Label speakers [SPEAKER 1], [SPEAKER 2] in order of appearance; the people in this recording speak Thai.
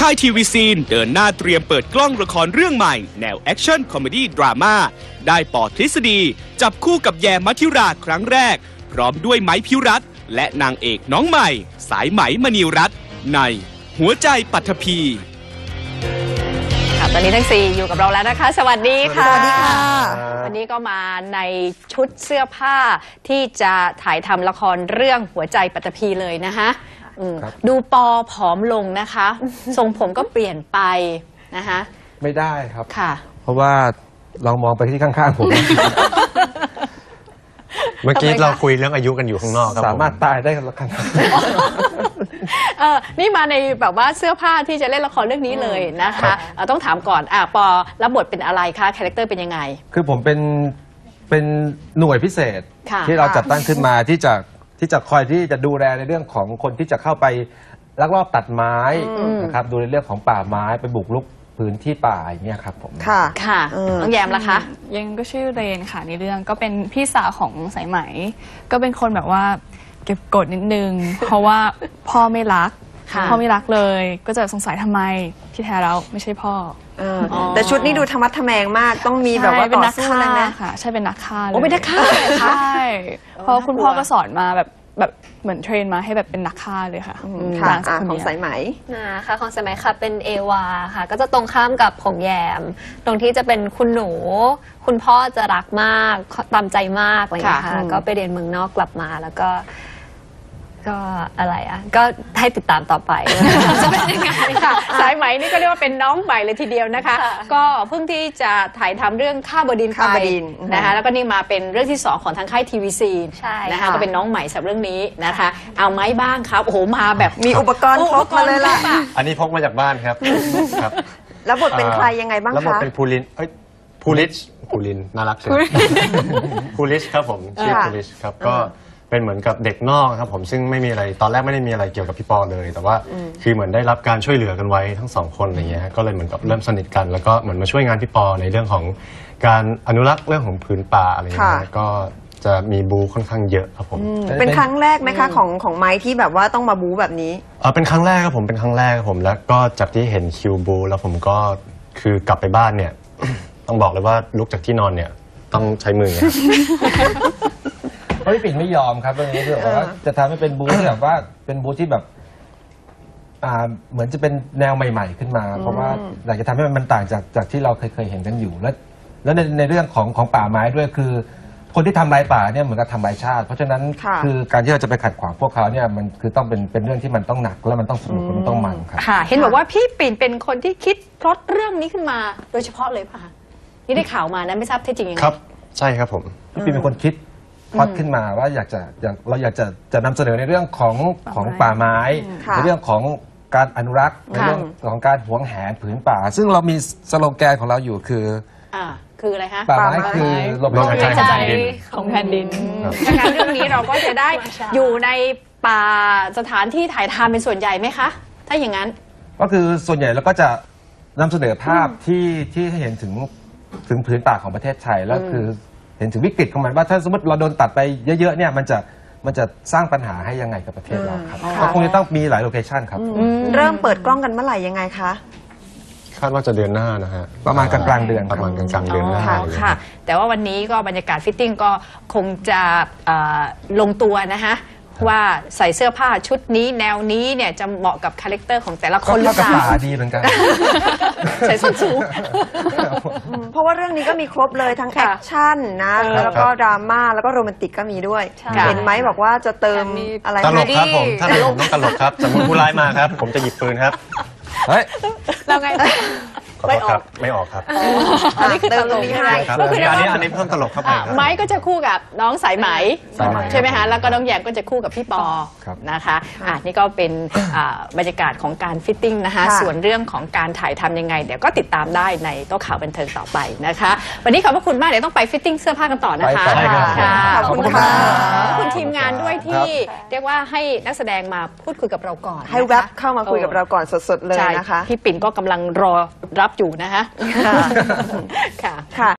[SPEAKER 1] ค่ายทีวีซีนเดินหน้าเตรียมเปิดกล้องละครเรื่องใหม่แนวแอคชั่นคอมเมดี้ดราม่าได้ปอทฤษฎีจับคู่กับแยมมัธิราครั้งแรกพร้อมด้วยไม้พิรัตน์และนางเอกน้องใหม่สายไหมมณีรัตน์ในหัวใจปัทภี
[SPEAKER 2] ตอนนี้ทั้ง4อยู่กับเราแล้วนะคะสวัสดีค่ะ
[SPEAKER 3] สวัสดีค่ะ
[SPEAKER 2] วันนี้ก็มาในชุดเสื้อผ้าที่จะถ่ายทำละครเรื่องหัวใจปัตภีเลยนะคะดูปอผอมลงนะคะ ทรงผมก็เปลี่ยนไปนะคะ
[SPEAKER 3] ไม่ได้ครับ
[SPEAKER 2] ค่ะ
[SPEAKER 3] เพราะว่าเรามองไปที่ข้างๆผม
[SPEAKER 4] เมื่อกี้เราคุยเรื่องอายุกันอยู่ข้างนอกครับ
[SPEAKER 3] สามารถตายได้ขนาด
[SPEAKER 2] นี่มาในแบบว่าเสื้อผ้าที่จะเล่นละครเรื่องนี้เลยนะคะต้องถามก่อนปอรับบทเป็นอะไรคะคาแรคเตอร์เป็นยังไง
[SPEAKER 3] คือผมเป็นหน่วยพิเศษที่เราจัดตั้งขึ้นมาที่จะคอยที่จะดูแลในเรื่องของคนที่จะเข้าไปลักลอบตัดไม้นะครับดูในเรื่องของป่าไม้ไปบุกรุกพื้นที่ป่าอย่างเงี้ยครับผม
[SPEAKER 2] ค่ะน้องแยมล่ะคะ
[SPEAKER 5] ยังก็ชื่อเรนค่ะในเรื่องก็เป็นพี่สาวของสายไหมก็เป็นคนแบบว่าเก็บกดนิดนึง เพราะว่าพ่อไม่รักเลยก็จะสงสัยทำไมที่แท้แล้วไม่ใช่พ่อ
[SPEAKER 6] แต่ชุดนี้ดูธรรมะทแมงมากต้องมีแบบว่าต่อสู้เลยนะ
[SPEAKER 5] ค่ะใช่เป็นนักฆ่าเลย
[SPEAKER 2] เป็นนักฆ่า
[SPEAKER 5] ใช่เพราะคุณพ่อก็สอนมาแบบเหมือนเทรนมาให้แบบเป็นนักฆ่าเลยค่ะ
[SPEAKER 6] ของสายไหม
[SPEAKER 7] ค่ะของสายไหมค่ะเป็นเอวาค่ะก็จะตรงข้ามกับของแยมตรงที่จะเป็นคุณหนูคุณพ่อจะรักมากตามใจมากอะไรอย่างเงี้ยค่ะก็ไปเรียนเมืองนอกกลับมาแล้วก็อะไรก็ให้ติดตามต่อไป
[SPEAKER 2] จะเป็นยังไงค่ะสายไหมนี่ก็เรียกว่าเป็นน้องใหม่เลยทีเดียวนะคะก็เพิ่งที่จะถ่ายทำเรื่องข้าบดินไปนะคะแล้วก็นี่มาเป็นเรื่องที่2ของทางค่ายทีวีซีนะคะก็เป็นน้องใหม่สำหรับเรื่องนี้นะคะเอาไม้บ้างครับโอ้โหมาแบบ
[SPEAKER 6] มีอุปกรณ์ครบมาเลยล่ะ
[SPEAKER 4] อันนี้พกมาจากบ้านครับ
[SPEAKER 6] แล้วบทเป็นใครยังไงบ้างคะ
[SPEAKER 4] แล้วบทเป็นภูรินน่ารักใช่ไหมภูริชครับผมชื่อภูริชครับก็เป็นเหมือนกับเด็กนอกครับผมซึ่งไม่มีอะไรตอนแรกไม่ได้มีอะไรเกี่ยวกับพี่ปอเลยแต่ว่าคือเหมือนได้รับการช่วยเหลือกันไว้ทั้ง2คนอะไรเงี้ยก็เลยเหมือนกับเริ่มสนิทกันแล้วก็เหมือนมาช่วยงานพี่ปอในเรื่องของการอนุรักษ์เรื่องของพื้นป่าอะไรเงี้ยก็จะมีบูค่อนข้างเยอะครับผม
[SPEAKER 6] เป็นครั้งแรกไหมคะของไม้ที่แบบว่าต้องมาบูแบบนี้
[SPEAKER 4] เป็นครั้งแรกครับผมเป็นครั้งแรกครับผมแล้วก็จากที่เห็นคิวบูแล้วผมก็คือกลับไปบ้านเนี่ยต้องบอกเลยว่าลุกจากที่นอนเนี่ยต้องใช้มือ
[SPEAKER 3] เพราะพี่ปิ่นไม่ยอมครับเรื่องนี้คือว่าจะทำให้เป็นบูธที่แบบว่าเป็นบูธที่แบบเหมือนจะเป็นแนวใหม่ๆขึ้นมาเพราะว่าอยากจะทำให้มันต่างจากที่เราเคยเห็นกันอยู่แล้วในเรื่องของป่าไม้ด้วยคือคนที่ทำลายป่าเนี่ยเหมือนกับทำลายชาติเพราะฉะนั้นคือการที่เราจะไปขัดขวางพวกเขาเนี่ยมันคือต้องเป็นเรื่องที่มันต้องหนักและมันต้องสนุกมันต้องมันครับ
[SPEAKER 2] ค่ะเห็นบอกว่าพี่ปิ่นเป็นคนที่คิดพล็อตเรื่องนี้ขึ้นมาโดยเฉพาะเลยป่ะที่ได้ข่าวมานะไม่ทราบเท็จจริงยังไง
[SPEAKER 4] ครับใช่ครับผม
[SPEAKER 3] พี่ปิ่นเป็นคนคิดพอดขึ้นมาว่าเราอยากจะนำเสนอในเรื่องของป่าไม้ในเรื่องของการอนุรักษ์ในเรื่องของการหวงแหนผืนป่าซึ่งเรามีสโลแกนของเราอยู่คือ
[SPEAKER 2] อะไรคะ
[SPEAKER 3] ป่าไม้คือลมหายใจ
[SPEAKER 2] ของแผ่นดินดังนั้นเรื่องนี้เราก็จะได้อยู่ในป่าสถานที่ถ่ายทำเป็นส่วนใหญ่ไหมคะถ้าอย่างนั้น
[SPEAKER 3] ก็คือส่วนใหญ่เราก็จะนำเสนอภาพที่เห็นถึงผืนป่าของประเทศไทยแล้วคือเห็นถึงวิกฤตของมันว่าถ้าสมมติเราโดนตัดไปเยอะๆเนี่ยมันจะสร้างปัญหาให้ยังไงกับประเทศเราครับก็คงจะต้องมีหลายโลเคชันครับ
[SPEAKER 6] เริ่มเปิดกล้องกันเมื่อไหร่ยังไงคะ
[SPEAKER 4] คาดว่าจะเดือนหน้านะฮะ
[SPEAKER 3] ประมาณกลางเดือน
[SPEAKER 4] ประมาณกลางเดือนหน้า
[SPEAKER 2] ค่ะแต่ว่าวันนี้ก็บรรยากาศฟิตติ้งก็คงจะลงตัวนะคะว่าใส่เสื้อผ้าชุดนี้แนวนี้เนี่ยจะเหมาะกับคาแรคเตอร์ของแต่ละคนหรือเปล่า
[SPEAKER 3] ดีเหมือนกัน
[SPEAKER 2] ใส่ส้นสูง
[SPEAKER 6] เพราะว่าเรื่องนี้ก็มีครบเลยทั้งแอคชั่นนะแล้วก็ดราม่าแล้วก็โรแมนติกก็มีด้วยเห็นไหมบอกว่าจะเติมอะไร
[SPEAKER 4] ตลกครับผมถ้าผมต้องตลกครับสมมติผู้ร้ายมาครับผมจะหยิบปืนครับ
[SPEAKER 2] เฮ้ยเราไง
[SPEAKER 4] ไม่ออกครับ
[SPEAKER 2] อันนี้คือตลก
[SPEAKER 4] ครับอันนี้เพิ่มตลกครับ
[SPEAKER 2] ไม้ก็จะคู่กับน้องสายไหมใช่ไหมคะแล้วก็น้องแยมก็จะคู่กับพี่ปอนะคะนี่ก็เป็นบรรยากาศของการฟิตติ้งนะคะส่วนเรื่องของการถ่ายทำยังไงเดี๋ยวก็ติดตามได้ในโต๊ะข่าวบันเทิงต่อไปนะคะวันนี้ขอบพระคุณมากเดี๋ยวต้องไปฟิตติ้งเสื้อผ้ากันต่อนะคะ
[SPEAKER 6] ขอบคุณค่ะ
[SPEAKER 2] ขอบคุณทีมงานด้วยที่เรียกว่าให้นักแสดงมาพูดคุยกับเราก่อน
[SPEAKER 6] ให้แวบเข้ามาคุยกับเราก่อนสดๆเลยนะคะ
[SPEAKER 2] พี่ปิ่นก็กำลังรอรับอยู่นะคะค่ะ